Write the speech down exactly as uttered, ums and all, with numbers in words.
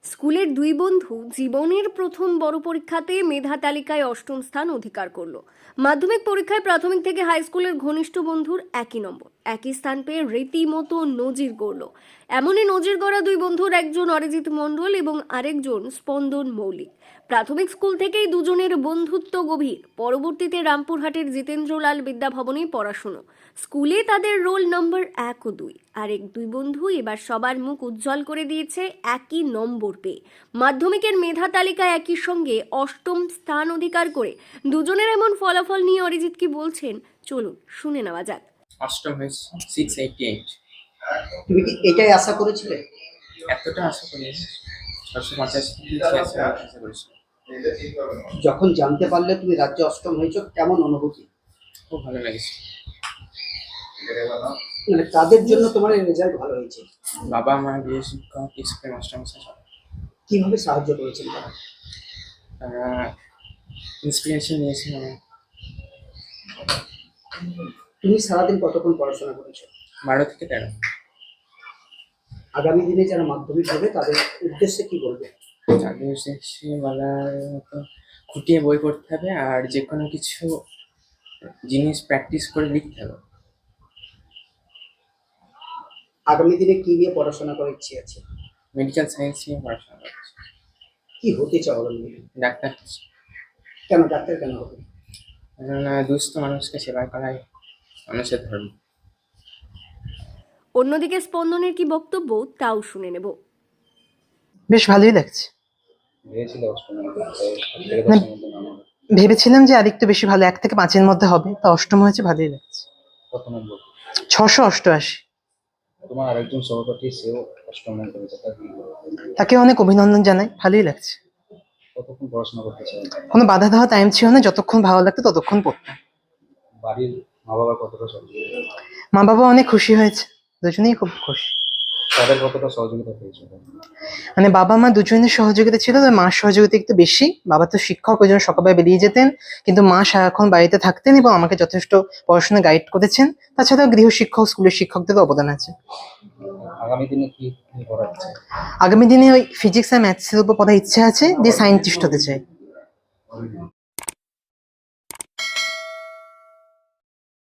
স্কুলের দুই বন্ধু জীবনের প্রথম বড় পরীক্ষাতে মেধা তালিকায় অষ্টম স্থান অধিকার করলো। মাধ্যমিক পরীক্ষায় প্রাথমিক থেকে হাই স্কুলের ঘনিষ্ঠ বন্ধুর একই নম্বর, একই স্থান পেয়ে রীতিমতো নজির গড়ল। এমনই নজির গড়া দুই বন্ধুর একজন অরিজিৎ মণ্ডল এবং আরেকজন স্পন্দন মৌলিক। প্রাথমিক স্কুল থেকেই দুজনের বন্ধুত্ব গভীর। পরবর্তীতে রামপুরহাটের জিতেন্দ্রলাল বিদ্যাভবনে পড়াশুনো। স্কুলে তাদের রোল নম্বর এক ও দুই। আরেক দুই বন্ধু এবার সবার মুখ উজ্জ্বল করে দিয়েছে একই নম্বর পেয়ে। মাধ্যমিকের মেধা তালিকায় একই সঙ্গে অষ্টম স্থান অধিকার করে দুজনের এমন ফলাফল নিয়ে অরিজিৎ কি বলছেন, চলুন শুনে নেওয়া যাক। অষ্টম হয়েছে সিক্স এইটি এইট। তুমি কি এটাই আশা করেছিলে? এতটা আশা করি ছশো পঞ্চাশ ছিয়াশি আশা করেছি। যখন জানতে পারলে তুমি রাজ্যে অষ্টম হয়েছো, কেমন অনুভূতি? খুব ভালো লেগেছে। মানে কাদের জন্য তোমার এই রেজাল্ট ভালো হয়েছে? বাবা মা, গৃহ শিক্ষক, স্কুলের মাস্টারমশাই সব। কিভাবে সাহায্য করেছেন তারা? তারা ইন্সপিরেশন নিয়েছে আমার। তুমি সারাদিন কতক্ষণ পড়াশোনা করেছো? বারো থেকে তেরো। আগামী দিনে যারা মাধ্যমিক দেবে তাদের উদ্দেশ্যে কি বলবে? তাদের শেষে বলার মতো খুঁটিয়ে বই পড়তে হবে, আর যে কোনো কিছু জিনিস প্র্যাকটিস করে লিখতে হবে। আগামী দিনে কি নিয়ে পড়াশোনা করার ইচ্ছে আছে? মেডিকেল সায়েন্স নিয়ে পড়াশোনা করছি। কি হতে চাও আগামী দিনে? ডাক্তার। কেন ডাক্তার কেন হবে? কেননা দুস্থ মানুষকে সেবা করাই মানুষের ধর্ম। অন্যদিকে স্পন্দনের কি বক্তব্য তাও শুনে নেব। বেশ ভালোই লাগছে। না, ভেবেছিলাম যে আরেকটু বেশি ভালো, এক থেকে পাঁচের মধ্যে হবে, তা অষ্টম হয়েছে, ভালোই লাগছে। কত নম্বর? ছশো অষ্টআশি। তোমার আরেকজন সহপাঠী, সেও অষ্টম নম্বর হয়েছে, তার কি বলবো? তাকে অনেক অভিনন্দন জানাই, ভালোই লাগছে। কতক্ষণ পড়াশোনা করতে চাও? কোনো বাধা দেওয়া টাইম ছিল না, যতক্ষণ ভালো লাগতো ততক্ষণ পড়তাম। বাড়ির মা বাবা কতটা সহযোগিতা? মা বাবা অনেক খুশি হয়েছে, দুজনেই খুব খুশি। তাদের কতটা সহযোগিতা পেয়েছো? মানে বাবা মা দুজনের সহযোগিতা ছিল, তবে মার সহযোগিতা একটু বেশি। বাবা তো শিক্ষক, ওই জন্য সকালবেলা বেরিয়ে যেতেন, কিন্তু মা সারাক্ষণ বাড়িতে থাকতেন এবং আমাকে যথেষ্ট পড়াশোনা গাইড করেছেন। তাছাড়াও গৃহ শিক্ষক, স্কুলের শিক্ষকদের অবদান আছে। আগামী দিনে কি নিয়ে পড়ার ইচ্ছে? আগামী দিনে ওই ফিজিক্স আর ম্যাথসের উপর পড়ার ইচ্ছে আছে, দিয়ে সায়েন্টিস্ট হতে চাই।